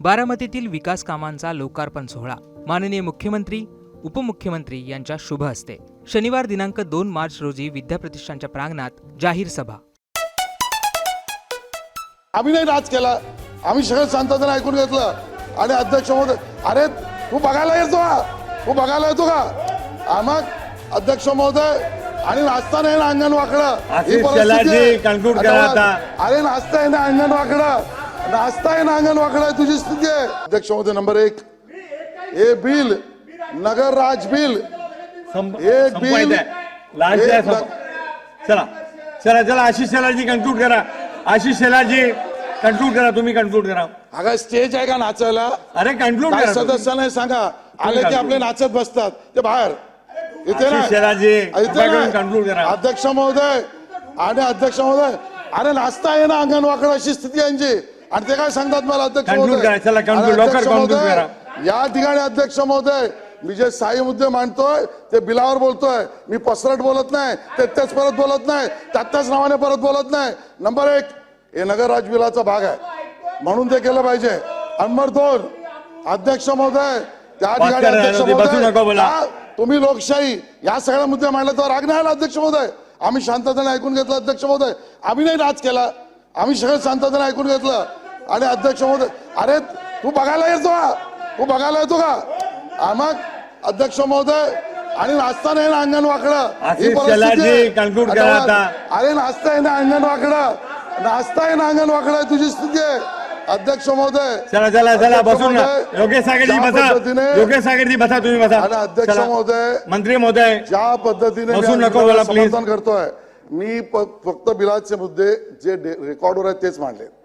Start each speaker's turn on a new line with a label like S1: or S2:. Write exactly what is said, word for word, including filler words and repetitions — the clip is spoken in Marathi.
S1: बारामतीतील विकास कामांचा लोकार्पण सोहळा माननीय मुख्यमंत्री उपमुख्यमंत्री यांच्या शुभ हस्ते शनिवार दिनांक दोन मार्च रोजी विद्याप्रतिष्ठानच्या प्रांगणात जाहीर सभा।
S2: आम्ही नाही राज केला, आम्ही सगळं शांततेने ऐकून घेतलं आणि अध्यक्ष महोदय, अरे तू बघायला येतो का, तू बघायला येतो का, आम्हा अध्यक्ष महोदय आणि नाचता नाही ना अंगण वाकडं, ही परिस्थिती अरे नाचता आहे ना अंगण वाकडं, नाचता आहे ना अंगण वाकडं तुझी स्थिती आहे। अध्यक्ष महोदय, नंबर एक हे बिल नगर राज बिल एक बिल
S3: चला चला चला आशिष शेलारजी कंक्लूड करा, आशिष शेलारजी कंक्लूड करा, तुम्ही कंक्लूड करा।
S2: अगं स्टेज आहे का नाचायला?
S3: अरे कंक्लूड करा,
S2: सदस्यांना सांगा आले की आपले नाचत बसतात ते बाहेर इथे ना,
S3: कंक्लूड करा
S2: अध्यक्ष महोदय आणि अध्यक्ष महोदय, अरे नाचता आहे ना अंगण वाकड अशी स्थिती यांची आणि ते काय सांगतात मला अध्यक्ष महोदय या ठिकाणी। अध्यक्ष महोदय, मी जे साई मुद्दे मांडतोय ते बिलावर बोलतोय, मी पसरट बोलत नाही, ते तेच परत बोलत नाही, त्याच नावाने परत बोलत नाही। नंबर एक हे नगर राज बिलाचा भाग आहे म्हणून ते केलं पाहिजे। नंबर दोन अध्यक्ष महोदय, त्या ठिकाणी अध्यक्ष महोदय तुम्ही लोकशाही या सगळ्या मुद्दे मांडले तर राग नाही आला अध्यक्ष महोदय, आम्ही शांततेने ऐकून घेतलं अध्यक्ष महोदय, आम्ही नाही राज केला, आम्ही सगळं शांततेने ऐकून घेतलं आणि अध्यक्ष महोदय, अरे तू बघायला येतो का, तू बघायला येतो का, आम्हा अध्यक्ष महोदय आणि नाचता नाही ना अंगण वाकडं, ही परिस्थिती अरे नाचता आहे ना अंगण वाकडं, नाचता आहे ना अंगण वाकडं तुझी स्थिती आहे। अध्यक्ष महोदय,
S3: चला चला चला बसून योगेश सागरजी बसा, योगेश सागरजी बसा, तुम्ही बसा।
S2: आणि अध्यक्ष महोदय,
S3: मंत्री महोदय,
S2: ज्या पद्धतीने समर्थन करतोय मी फक्त बिलाचे मुद्दे जे रेकॉर्डवर आहेत तेच मांडले।